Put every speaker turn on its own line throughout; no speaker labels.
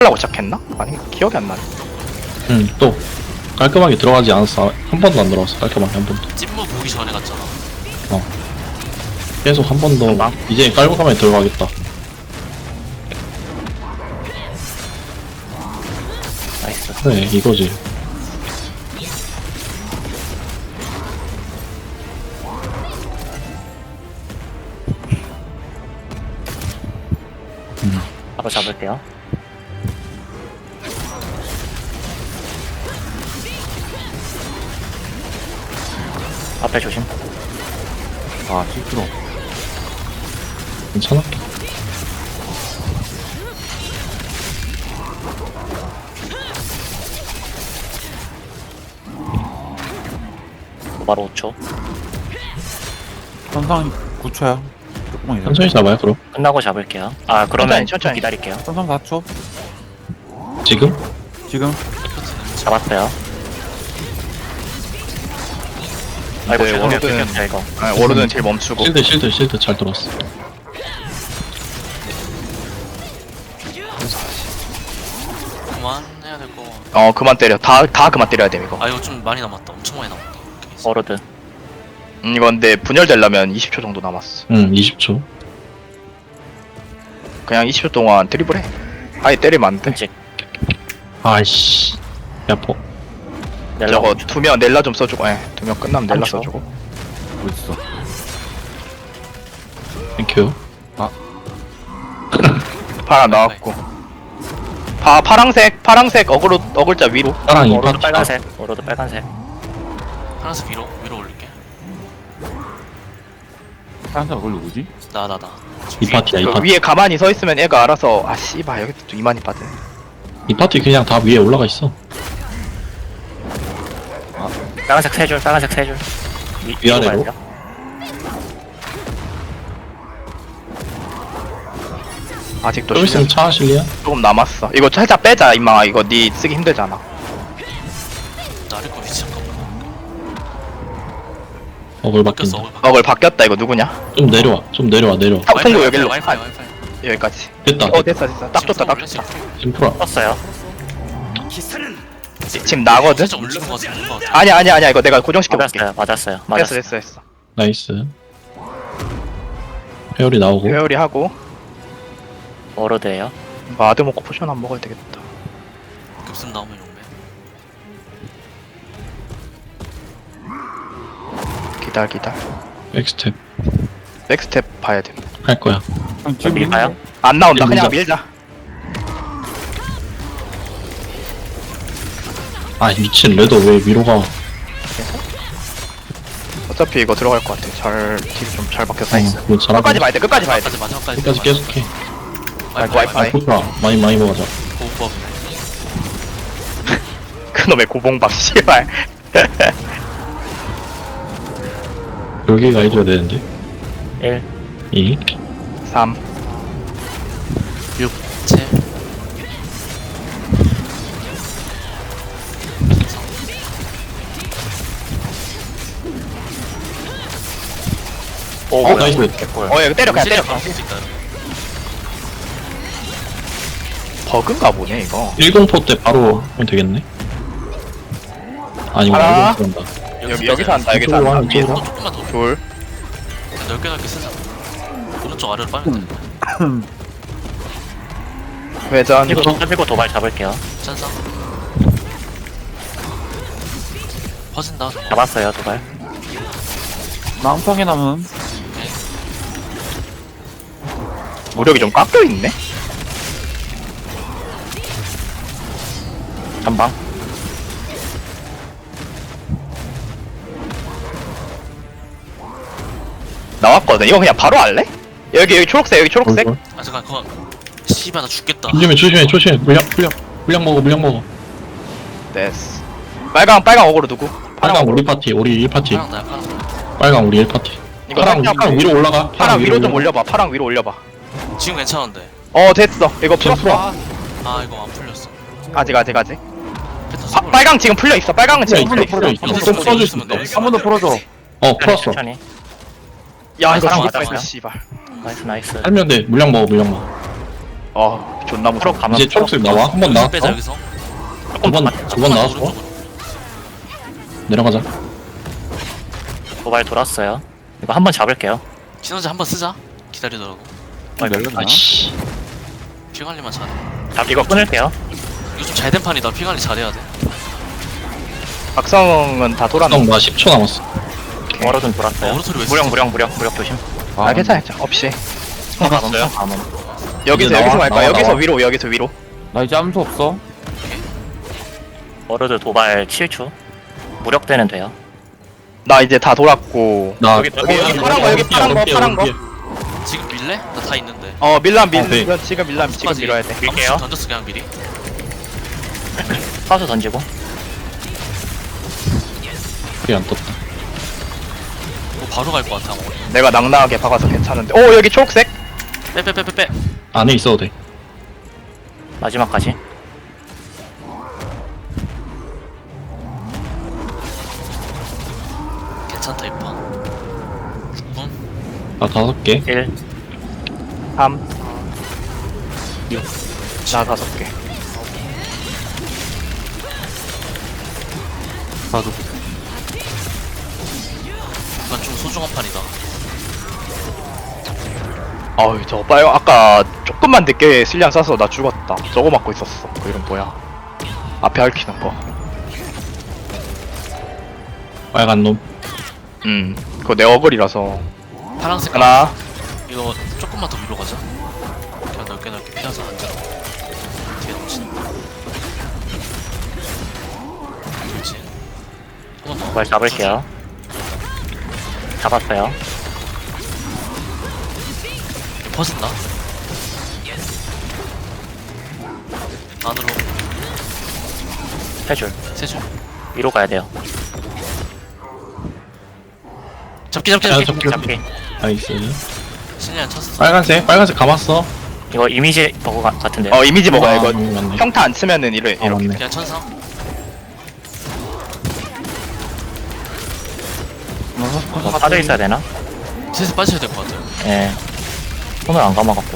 하려고 시작했나? 아니 기억이 안 나네.
또 깔끔하게 들어가지 않았어. 한 번도 안 들어갔어. 깔끔하게 한 번도.
찐무 보기 전에 갔잖아.
계속 한 번 더.
금방.
이제 깔끔하게 들어가겠다.
나이스.
그래 이거지.
바로 잡을게요. 앞에 조심.
아, 실수로.
괜찮아?
바로 5초.
선상 9초야. 조금만
천천히 잡아요 그럼.
끝나고 잡을게요. 아 그러면
천천히.
기다릴게요.
선상 4초.
지금?
지금.
잡았어요. 아이고
네,
죄송해요.
워로드는-
끊겼다 이거.
워로드는 딜 멈추고
실드 잘 들어왔어.
그만 해야 될 거.
그만 때려. 다 그만 때려야 돼 이거.
아 이거 좀 많이 남았다. 엄청 많이 남았다.
워로드.
이거 근데 분열되려면 20초 정도 남았어.
20초.
그냥 20초 동안 드리블 해. 아예 때리면 안 돼.
끔찍.
아이씨. 야포.
저거 두명 넬라 좀 써주고. 두명 끝나면 넬라
한초.
써주고.
어딨어?
땡큐.
파라 나왔고. 파랑색 어글자 위로.
따랑 이
워로드
파티.
빨간색. 워로드 빨간색.
하나씩 위로 올릴게.
사람들 얼굴 누구지?
나.
이 파티야 이
그
파티.
위에 가만히 서 있으면 애가 알아서 씨발 여기 또 이만희 빠지네.
이 파티 그냥 다 위에 올라가 있어.
빨간색 3줄. 빨간색 3줄.
위아래로?
아직도
좀 있으면 차 하실래요?
조금 남았어. 이거 살짝 빼자 임마. 이거 니 쓰기 힘들잖아.
나를 거 위치 잠깐만.
어글
바뀌었어.
바뀐다.
어글 바뀌었다. 이거 누구냐?
좀 내려와.
통구 여기로.
와이파이.
여기까지.
됐다.
됐어. 딱 좋다.
지금 풀어.
떴어요.
지금 나거든.
살짝 올리는 거 같아. 올린 거 같아.
아니야. 이거 내가 고정시켜 볼게.
맞았어요.
됐어.
나이스. 회오리 나오고.
회오리 하고
워로드예요.
마드 먹고 포션 안 먹어야 되겠다.
급습 나오면 용매.
기다려.
백스텝
백스텝 봐야 돼.
할 거야.
지금
밀까요?
안 나온다.
밀자.
그냥 밀자.
아 미친 레더 왜 위로 가?
어차피 이거 들어갈 것 같아. 딜이 좀 잘 박혔어.
그거 잘하고.
끝까지 봐야 돼.
마지막까지 마지막까지.
끝까지 계속해.
와이파이.
아 좋다. 많이 먹어자.
고법.
그놈의 고봉밥 씨발.
여기가 해줘야 되는데.
1.
2.
3.
6, 7.
오,
나이스.
개꿀.
이거 때려. 그냥 때려.
쓸수 있다.
버그인가 보네 이거.
1공포 때 바로 하면 되겠네. 아니구나.
하나.
1공포 한다.
여기서 한다. 여기서
이쪽으로
한다.
하면
위에서.
이쪽으로.
조금만 더.
둘.
넓게 쓰자. 오른쪽 아래로 빨면 돼.
회전.
그리고 도발 잡을게요.
찬상. 퍼진다. 저거.
잡았어요 도발.
남성에 남은.
무력이 좀 깎여 있네.
전방.
나왔거든. 이거 그냥 바로 할래? 여기 초록색. 여기 초록색.
아 잠깐 그거. 씨발 나 죽겠다.
조심해. 물량 먹어.
됐어. 빨강 어그로 누구?
빨강 우리 파티, 우리 1파티.
파랑 나야 파랑.
빨강 우리 1파티.
이거
파랑
살짝
위로 올라가.
파랑 위로 좀 올려봐. 파랑 위로 올려봐.
지금 괜찮은데.
됐어. 이거
지금
풀었어.
아 이거 안 풀렸어.
아직.
패턴 써볼래?
빨강 지금 풀려 있어. 빨강은 지금
풀려
풀려
있어.
있어.
좀 써줄 수 있어.
한 번 더 풀어줘.
풀었어.
천천히.
야 이거
파랑
죽겠다.
맞았어요.
씨발.
나이스.
살면 돼. 물량 먹어.
존나 무서워.
초록 가면
이제 초록색 나와. 한 번 나왔어.
빼자 여기서.
두번 나왔어.
오른쪽으로.
내려가자.
도발 돌았어요. 이거 한 번 잡을게요.
시너지 한번 쓰자. 기다리더라고.
멜로디나?
아씨.
피 관리만 잘해.
이거 끊을게요.
이거 좀 잘 된 판이다. 피 관리 잘해야 돼.
박성은 다 돌았네.
형, 나 10초 남았어.
워로드는 돌았어요.
오른손이 왜
무력 조심.
아, 괜찮아. 없이.
가면 가면.
여기서
나와,
여기서 갈까?
나와,
여기서
나와.
위로, 여기서 위로.
나 이제 암수 없어.
워로드 도발 7초. 무력되는 돼요.
나 이제 다 돌았고.
나
여기
파란 거, 여기 파란 거.
지금 밀래? 나 다 있는데.
네.
지금 지금 밀어야 돼.
밀게요.
던졌어 그냥 미리.
파수 던지고.
그게 안 떴다.
이거 바로 갈 것 같아. 아마.
내가 낭낭하게 박아서 괜찮은데. 오, 여기 초록색.
빼.
안에 있어도 돼.
마지막까지.
괜찮다 이판. 6분.
나 5개.
1.
3. 6. 나 5개.
나도.
이건 좀 소중한 판이다.
어이, 저 봐요. 아까 조금만 늦게 실리안 쏴서 나 죽었다. 저거 맞고 있었어. 그 이름 뭐야? 앞에 얽히는 거.
빨간 놈.
그거 내 어글이라서.
파란색
하나.
이거 조금만 더 위로 가자. 그냥 넓게 피해서 앉아라. 뒤에 넘치는. 그렇지. 한번 더.
도발 잡을게요. 잡았어요.
퍼진다. 안으로
3줄.
세 줄.
위로 가야 돼요.
잡기.
잡기.
나이스.
신리안 쳤어.
빨간색 감았어.
이거 이미지 버그 같은데.
이미지 먹어야 이거.
맞네.
평타 안 치면은 이렇게.
맞네.
그냥 천상.
빠져 있어야 되나?
슬슬 빠져야 될 것 같아요.
예. 손을 안 감아갖고.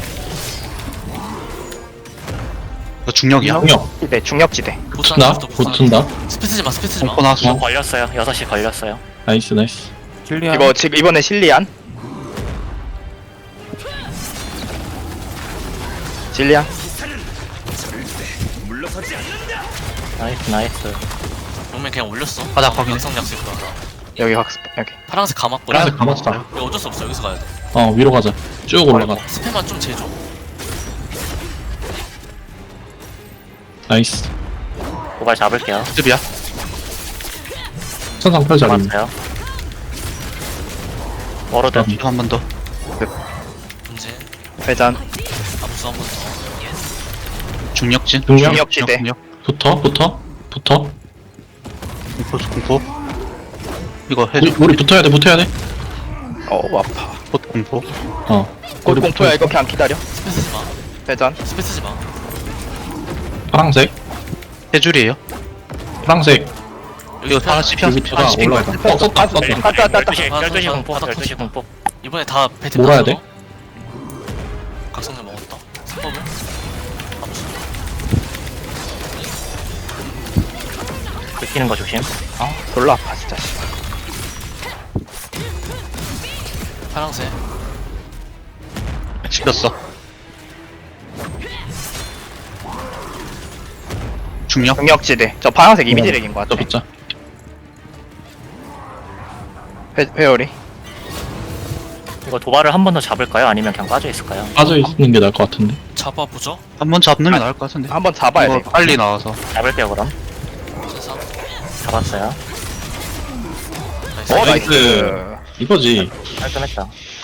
너 중력이야?
중력지대.
붙은다. 붙은다.
스피 쓰지 마.
이거 걸렸어요. 6시 걸렸어요.
나이스.
실리안.
이거 지금 이번에 실리안. 실리안.
나이스.
용맨 그냥 올렸어.
바닥 확인해.
각성 약속 거다.
여기 학습 여기.
파란색 감았고.
빨간색 감았어.
이거 어쩔 수 없어. 여기서 가야 돼.
위로 가자. 쭉 올라가.
스페만 좀 재줘.
나이스.
도발 잡을게요.
습이야. 천상팔 자리.
잡았어요. 워로드.
한 번 더.
문제.
회전.
암수 한번 더.
중력진.
중력지대.
붙어.
공포 이거 해
우리 붙어야 돼.
아파.
곧 공포
곧 공포야. 이거 그냥 기다려.
스페 쓰지 마.
회전.
스페 쓰지 마.
파랑색.
세 줄이에요
파랑색.
여기 스페
하나씩
여기 피가 올라가. 썼다.
12시 공포.
바닥
12시 공포.
이번에 다 배트
몰아야 돼?
각성을 먹었다. 3법을. 암수.
긁히는 거 조심.
졸라 아파 진짜.
파란색.
씹혔어 중력
중력지대. 저 파란색 이미지렉인 것
저
같아.
붙자.
회오리.
이거 도발을 한 번 더 잡을까요? 아니면 그냥 빠져 있을까요?
빠져 있는 게 나을 것 같은데.
잡아보죠.
한번 잡는 게 나을 것 같은데
한번 잡아야 돼.
이거 빨리 나와서
잡을게요 그럼.
천상.
잡았어요.
나이스.
나이스.
이거지.
깔끔했다.